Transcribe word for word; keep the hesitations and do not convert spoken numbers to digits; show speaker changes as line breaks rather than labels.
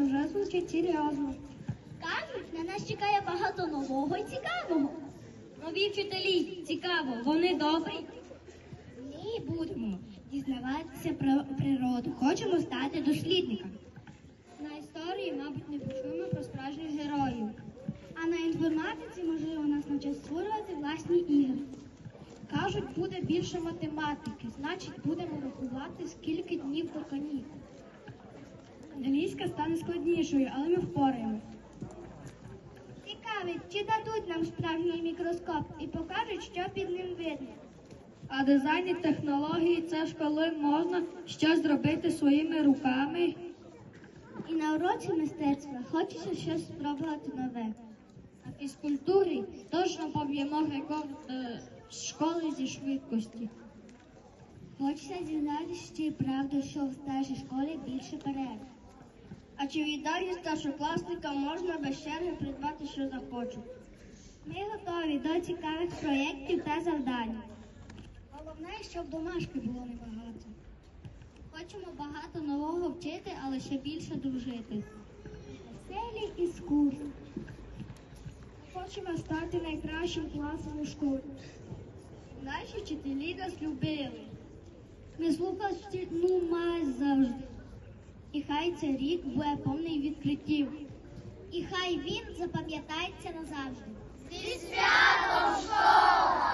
вже звучить серйозно.
Кажуть, на нас чекає багато нового і цікавого.
Нові вчителі, цікаво, вони добрі?
Ми будемо дізнаватися про природу. Хочемо стати дослідниками.
На історії, мабуть, не почуємо про справжніх героїв.
А на інформатиці, можливо, нас навчать створювати власні ігри.
Кажуть, буде більше математики, значить будемо рахувати, скільки днів до канікул. Англійська стане складнішою, але ми впораємось.
Цікавить, чи дадуть нам справжній мікроскоп і покажуть, що під ним видно.
А дизайн і технології – це ж коли можна щось зробити своїми руками.
І на уроці мистецтва хочеться щось спробувати нове.
А фізкультурі точно поб'ємо рекорд е, школи зі швидкості.
Хочеться дізнатися, чи правда, що в старшій школі більше перерв.
А чи в їдальні старшокласника можна без черги придбати, що захочу?
Ми готові до цікавих проєктів та завдань. Головне, щоб домашки було небагато. Хочемо багато нового вчити, але ще більше дружити. Веселі і скучні.
Хочемо стати найкращим класом у школі. Наші вчителі нас любили.
Ми слухали вчительну мазь завжди. І хай цей рік буде повний відкриттів. І хай він запам'ятається назавжди.
Зі святом, школа!